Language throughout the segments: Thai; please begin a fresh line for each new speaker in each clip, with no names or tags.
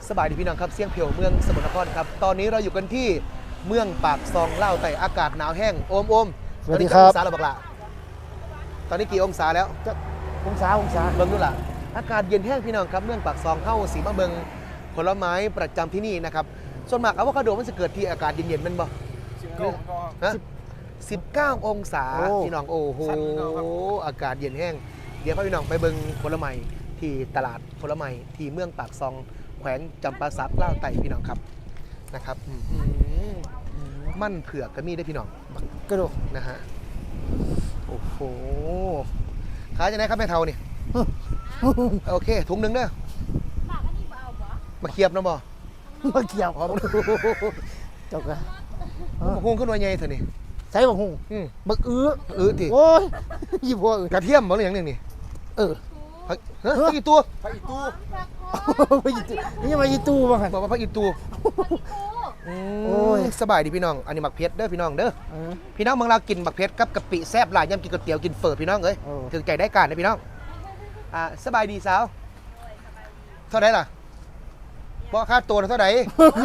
สบายดีพี่น้องครับเสียงเพียวเมืองสมุทรสาครครับตอนนี้เราอยู่กันที่เมืองปากซองเล่าวไต่อากาศหนาวแห้งโอม
สวัสดีครับ
ตอนนี้กี่องศาแล้วบักละตอนนี้กี่องศาแล้ว
องศา
เบิ่งดูล่ะอากาศเย็นแห้งพี่น้องครับเมืองปากซองเข้าสีมะเบิงผลไม้ประจำที่นี่นะครับส่วนมากอะโวคาโดมันจะเกิดที่อากาศเย็นๆมันบ่ฮะ19 องศาพี่น้องโอ้โหอากาศเย็นแห้งเดี๋ยวพี่น้องไปเบิงผลไม้ที่ตลาดผลไม้ที่เมืองปากซองแขวงจำปาสักเล่าวไต่พี่น้องครับนะครับมั่นเผือกก็มีได้พี่น้อง
กระโดด
นะฮะโอ้โหขายจะไหนครับแม่เทานี่ โอเคถุงหนึ่งเด้อมาเคียบนะบ่
มาเกี่ยว
หอม
จบกัน
หุ้งขึ้นมาใหญ่เถอะนี่
ใส่บักหุ่งบัก
ที
โอ้ยยี่ปัว
กระเทียมบ่หรืออย่างหนึงนี่
เออ
ผักอีตัว
ไปยี่ตู้นี่มายี่ตู้บ้างกัน
บอกว่าผักอีตัว
โอ้ย
สบายดีพี่น้องอันนี้หมักเพชรเด้อพี่น้องเด้อพี่น้องเมืองเรากินหมักเพชรกับกะปิแซ่บหลายย่ำกินก๋วยเตี๋ยวกินเฝอพี่น้องเอ้ยถึงใจได้การนะพี่น้องสบายดีสาวเท่าไหร่ล่ะบ่ค่าตัวเท่าไหร่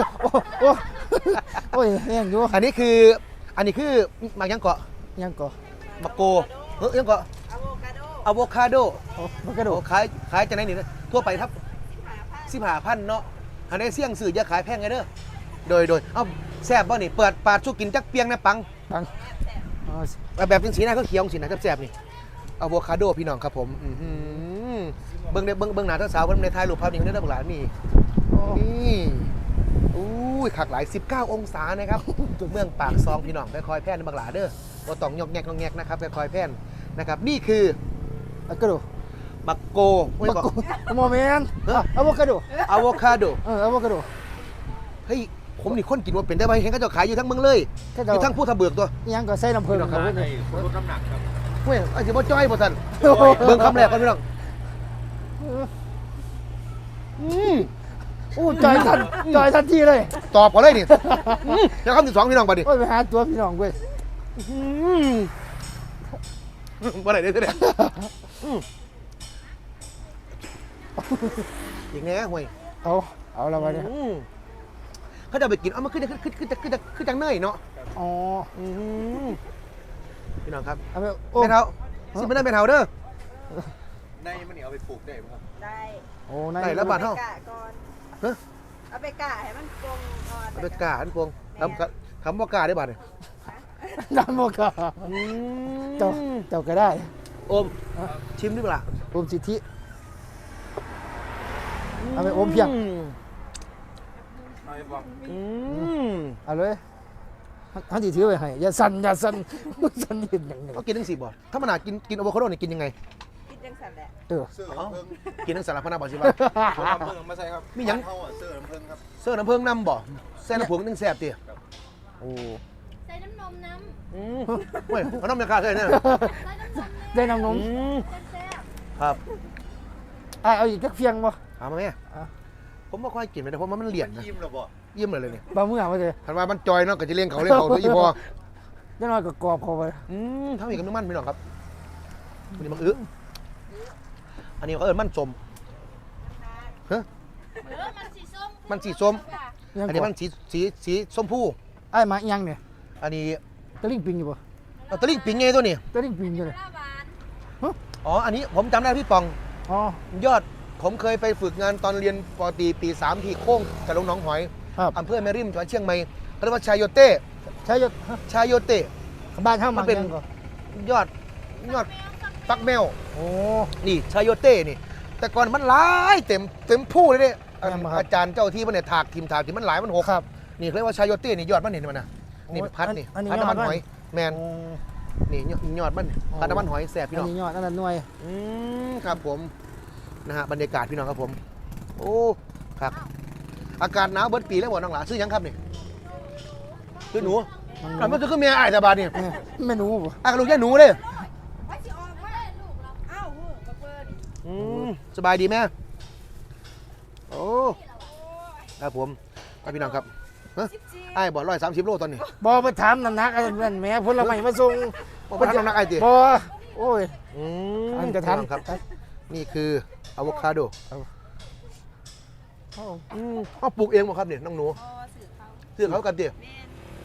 โอ้ยแห้งอยู่
อันนี้คือหมักยังเกาะ
ยังก่อ
หมักโกยังเกาะอะโวคาโด
บักกระโด
โอ้
ด
ขายจะไหนนี่นะทั่วไปครับ15,000เนาะอันนี้เสี่ยงสื่อจะขายแพงไงเด้อโดยเอ้าแซ่บบ่นี่เปิดปาดสู้กินจักเปียงนะปัง
ปัง
แบบเป็นสีหน้าเขาเขียวสีหน้าแซ่บๆนี่อะโวคาโดพี่น้องครับผมเบิ่งหน้าเจ้าสาวเบิ่งในท้ายรูปภาพนี้เด้อบักหลานนี่นี่อุ้ยคักหลาย19 องศานะครับเมืองปากซองพี่น้องค่อยๆแพร่นบักหลาเด้อบ่ต้องยอกแงกนะครับค่อยๆแพร่นนะครับนี่คือ
บักกระโดด
บักโก
บักโกโมเมนต์อะโวคาโด
อะโวคาโด
อะโวคาโด
เฮ้ยผมนี่คนกินว่าเป็นได้ไหมเห็นเขาจะขายอยู่ทั้งเมืองเลยอยู่ทั้งผู้ทะเบิกตัว
ยังก็ใส่น้ำผึ้งครับ
ลดน้ำหนักครับ
เฮ้ยไอ้สิบ่จ้อยบ่ทันเบิ่งคำแรกก่อนพี่น้อง
อู้จอยทันทีเลย
ตอบก่อนเลยนี่แล้วคำที่2พี่น้องบัดนี้
โอ้ยไปหาตัวพี่น้องเว้ย
บ่ได้เด้ออย่างงี้ห่วย
เอาละมาเนี่ย
เขาจะไปกินเอามาขึ้นจังเนยเนาะ
อ๋อ
พี่น้องครับ
เอาไป
แม่เฒ่าสิบ่ได้แม่เฒ่าเด้อ
ในมันนี่เอาไปปลูกได้ไหมครับ
ได้
โอ้
ได้แล้วบาทเท่า
กะก่อน
ฮะ
เอาไปกะให้มันปรุงก่อน
เอาไปกาอันพวงคำว่ากาได้บาทเนี่ย
น้ำโมกาเจ้าก็ได้
โอมชิมดิบ่ล่ะ
อมสิทธิเอาไปอมเพียง
เอาไปบอก
เอาเลยท่านที่ถือไว้ให้อย่าสั่นสั่นนิดหนึ่ง
เขากินทั้ง4บ่ถ้ามันหากินอะโวคาโดนี่กินยังไง
คิดจังสันแหละ
เออ
เสื้อน้ำผึ้ง
กินทั้งสารพัดนะบ่สิว่า
ผมน้ำผึ้งมาใส่ครับ
มีหยัง
เข้าเสื้อน้ำผึ้งครับ
เสื้อน้ำเพิงน้ำบ่แซ่น้ำผงนึงแซ่บติโอ้
ใส่น้ำนมน้
เว้ยเอาน้ำยาคาใส่เนี่ย
ำใส่น้ำนม
ได้น้ำนม
แซ่บ
ครับ
เอาอีกจักเพียงบ่
ถามมาแม่ผมบ่ค่อยกินเลยเพราะมันเหลี่ยนนะ
ยิ้มหรอบ่
ยิ้มเลยเนี่ย
บางมื้อมาเลย
คันว่ามันจอยเนาะก็จะเลี้ยงเขาตัวอีพอ
ได้น้อยก็กรอบเข้าไป
ทำอีกกับน้ำมันพี่น้องครับอันนี้มันอึอันนี้เขาเอิ้นมันสม
มันสีส้ม
มันสีส้ม
ค่ะ
อันนี้มันสีส้มผู้
ไอ้มาอีหยังเนี่ย
อันนี้
ตะลิงปิงอยู่บ่
ตะลิ่งปิงไงตัวนี้
ตะลิงปิงอยู่เลย
หน้าหวาน
อ๋ออันนี้ผมจำได้พี่ปอง
อ๋อย
อดผมเคยไปฝึกงานตอนเรียนปตรีปี 3 ที่โค้งกับลงหนองหอย
ครับ
อำเภอแม่ริมจังหวัดเชียงใหม่เขาเรียกว่าชายโยเต้
ใช้ยศ
ชายโยเต้
บ้านเฮา
มั
มัน
เป็น
ยังก็
ยอดฟักแมว
โอ้
นี่ชายโยเต้นี่ แต่ก่อนมันหลายเต็มผู้เลยเนี่ย
แม่นบ่ครับ
อาจารย์เจ้าที่มันเนี่ยถากทีมมันหลายมันหก
ครับ
นี่เขาเรียกว่าชายโยเต้นี่ยอดมันเห็นมันนะนี่พัดนี่
อันนี้
พัดน้ำมัน
ยอดมัน
หอยแมน
โอ้
นี่ยอดมันพัดน้ำมันหอยแสบพี่
อัน
น้อง
นี้ยอดอันนั้นหน่วย
ครับผมนะฮะบรรยากาศพี่น้องครับผมโอ้ครับอากาศหนาวเบิดปีแล้วบ่น้องหลาซื้อหยังครับนี่ซื้อหนูอ่ะมันจะขึ้นเมียอ้ายแต่บาดนี่
เมนูบ่
อ่ะลูกย่าหนูเลย
ว่าสิออกมาลูกเราอ้าวเฮ้ยกระเปิด
สบายดีแม่โอ้ครับผมครับพี่น้องครับฮะอ้ายบอก130 โลตอนนี้
บ่ไปถามน้ำหนักอันนั้นแหม่ผลไม้มาส่ง
บอกว่าน้ำหนักไอ้ติ
บ่โอ้ย อันกระทัน
ครับนี่คืออะโวคาโด
โอ้
เอาปลูกเองบ่ครับเนี่ยน้องหนู
อ๋อสื่อเขา
ซื้อเขากันดิ
แม่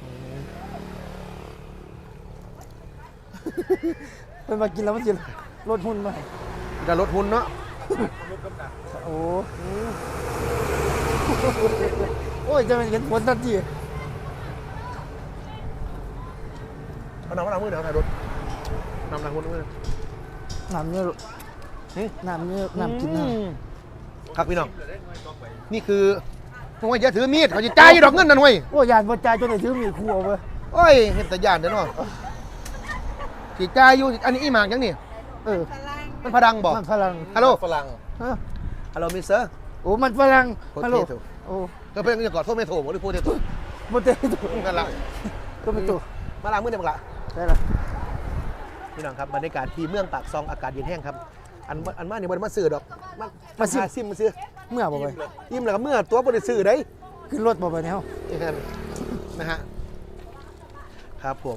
น
เป็นมากินแล้วมันจะลดหุ้นไหม
จะลดทุนเนาะ
โอ้โอ้ยจะเป็นเห็นผลทันที
เอาน้ำมือเดี๋ยวถ่ายรถน้ำมือ
น้ำเนี่ยน้ำเนี่ยน้ำกินนะครับ
พี่น้องนี่คือห่วยอย่าถือมีดเขาจะจ่ายดอกเงินนั่นห่วย
โอ้ยยานบ่จ่ายจนได้ถือมีคู่เอาเว้ย
โอ้ยเห็นแต่ยานเด้อเนาะสิจ่ายอยู่อันนี้อีหมากยังนี่
เออ
พลัง
มันพดังบ่
มันฝรั่ง
ฮัลโหล
ฝรั่ง
ฮะ
ฮัลโหลมิสเตอร์
โอ้มันฝรั่ง
โพเทโต้
ฮัลโหลโอ้
ก็เพิ่นจะกอดโทษไม่โทรบ่หรือโพเทโต้
บ่เตะตัว
นั่นล่ะ
ตัวเป็นตัว
มาล้างมือเดี๋ยวบักละ
ได้ละ
พี่น้องครับบรรยากาศที่เมืองปากซองอากาศเย็นแห้งครับอันมาเนี่ยบ่ได้มาซื้อดอกมาซิมมาซื้อ
เมื่อบ่ไป
ยิ้มแล้วก็เมื่อตัวบ่ได้ซื้อได้
ขึ้นรถบ่ไปเนี่ยเฮา
นี่ครับนะฮะครับผม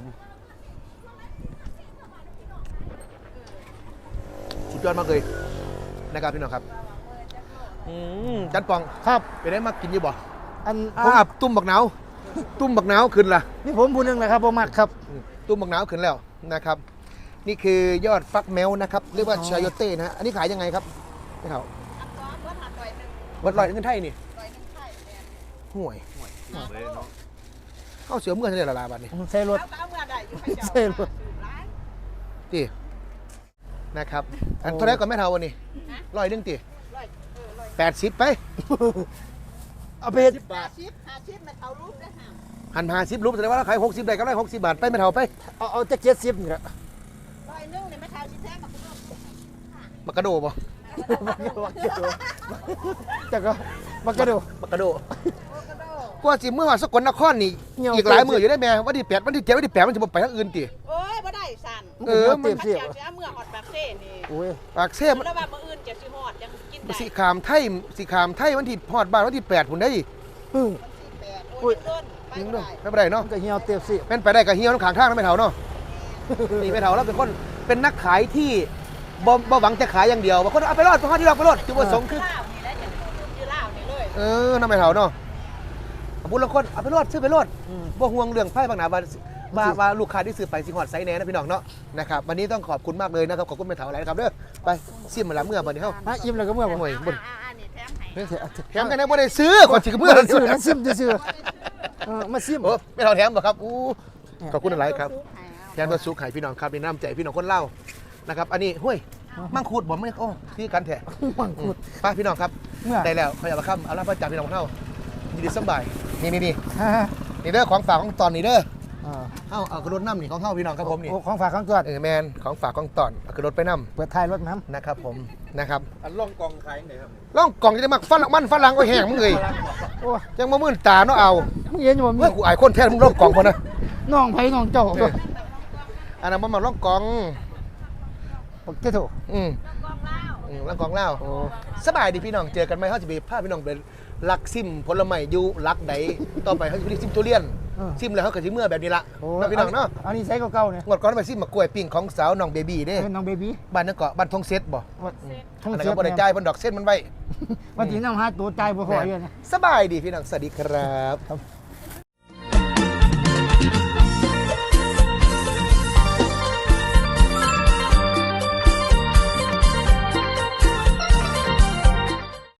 สุดยอดมากเลยนะครับพี่น้องครับจันปอง
ครับ
ไปได้มากินอยู่บ่
อัน
ผมอับตุ้มบักหนาวตุ้มบักหนาวขึ้นล่ะ
นี่ผมผู้หนึงแหละครับบ่มักครับ
ตุ้มบักหนาวขึ้นแล้วนะครับ นี่คือยอดฟักแมวนะครับเรียกว่าชายโยเต้นะฮะอันนี้ขายยังไงครับนี่เขา
อันตัววัดหัดต่อยหนึ่ง
วัดลอยเงินไทยนี่
ต่อยหนึ่งไข่แม่น
ห่วย
เลยเนาะ
เข้าเสือเมื่อเท่าไหร่ละบาทนี่
ใส่รถ
เอาก็เอาเมื่อใดอยู่ให้เจ้า
ใช่รถ
ร้าย
ตีนะครับอันเท่าไหรก่อนแม่เท่าวันนี้ร้อยหนึงตี
ร้อยร้อย
80ไป
เอาไปเฮ็ด
50มันเอารูปได้ห้าม
หัน50รูปแสดงว่าเราขาย60ได้ก็ได้60บาทไปแม่เท่าไป
เอาจัก70นี่แหละ
ร้อยหนึงเนี่ยไม่เท่าสิแท้มาคุณลูก
มักกะโดบ่
จักก็บักกระโดด
มักกะโด
โอ้กระโดด
กว่าสิเมื่อวานสกลนครนี่
เหี่ยว
อีกหลายมื้ออยู่ได้แม่วันที่8วันที่7วันที่8มันจะบ่ไปทางอื่นติ
โอ้ยบ่ได้สั่น
เออ
เต็ม
มัน
เสีย
เจ้าสิเอาเมื่อฮอดปากเซ่นี่
โอ้ย
ปากเสม
แล้วว่ามื้ออื่นจะสิฮอดยังกินได้
สิขามไทยวันที่ฮอดบ้านวันที่8พุ่นได้
อือ
โอ้ยต้นไป
ยิง
บ่
เนาะ
ได้
ไปบ่ได้เนาะ
มันก็เหี่ยวเต็มเสีย
แม่นไปได้ก็เหี่ยวน้ำข้างทางนะแม่เท่าเนาะ นี่แม่เท่าแล้วเป็นคนเป็นนักขายที่บ่หวังจะขายอย่างเดียวบางคนเอาไปรอดไปฮอดที่เราไปรอดจุดประสงค์คือ
ลาวนี่แหละจะอยู่ลาวนี่เลย
น้ำไม่เท่าเนาะบุญละคนเอาไปรอดซื้อไปรอด
อืม
บ่ห่วงเรื่องไพ่บางหนาว่าลูกค้าที่ซื้อไปสิฮอดไซส์แน่นะพี่น้องเนาะนะครับวันนี้ต้องขอบคุณมากเลยนะครับขอบคุณแม่เท่าหลายนะครับเด้อไปซิมมาละเมื่อวันนี้เฮา
ฮะอิ่มแล้วก็เมื่อบ่
โอ้ยบ่
นี่แถมให้
เฮ้ยเถอะ
แถมกันได้บ่ได้ซื้อก่อนสิเมื่อ
มาซื้อมาซิมซื่อมาซิม
โอ้ไม่เท่าแถมบ่ครับอู้ขอบคุณหลายครับ
ให้เอา
แถมตัวสุขให้พี่น้องครับในน้ำใจพี่น้องคนเล่าวนะครับอันนี้ห้วยมังคุดบ่ไม่โอ้ที่กันแท้
มังคุด
ไปพี่น้องครับ
เมื่อ
ได้แล้วขยับมาครับเอาละประจำพี่น้องเท่ายินดีสบายนี่นี่
ฮะ
นี่เด้อของฝากของตอนนี่เด้อ
อ่า
เอากระโดดน้ำนี่ของเข้าพี่น้องครับผมนี่
โอ้ของฝากของตัว
แมนของฝากของตอนเอากระโดดไปน้
เปิดท้ายรถน้
ำนะครับผมนะครับ
อันล่องกองขายยังไงครับ
ล่องกล่องจะได้มักฝรั่งมันฝรั่งก็แห้งมึงเลย
ำโอ้
ยังมามื่นตาเนาะเอา
มึงเห็นอยู่บ่มี
เมื่อกูอายคนแท้มึงล่องกล่องพอนะ
น้องไผน้องเจ้า
เอออันนั้นมันมาล่องกล่อง
บักเจ้าโถ
ล่องกล่องเล่า
โอ้
สบายดีพี่น้องเจอกันไหมเขาจะไปพาพี่น้องไปลักซิมผลไม้อยู่ลักใดต่อไปเขาจะไปซิมทุเรียนซิมแล้วเขาก็สิเมื่อแบบนี้ละ
โอ้
เนาะพี่น้องเนาะ
อันนี้ใส่เก่าๆเนี่ย
งวดก่อนไปซิมมะกล้วยปิ้งของสาวน้องเบบี้เด้
เป็นน้องเบบี้
บ้านนั่นเกาะบ้านทงเซตบ่
ท่อง
อันนั้น
เสีย
ก็บ่ได้จ่ายบนดอกเส้นมันไว้
วันที่น้องหาตัวใจบ่พออยู่นะ
สบายดีพี่น้องสวัสดีครับ
ครับ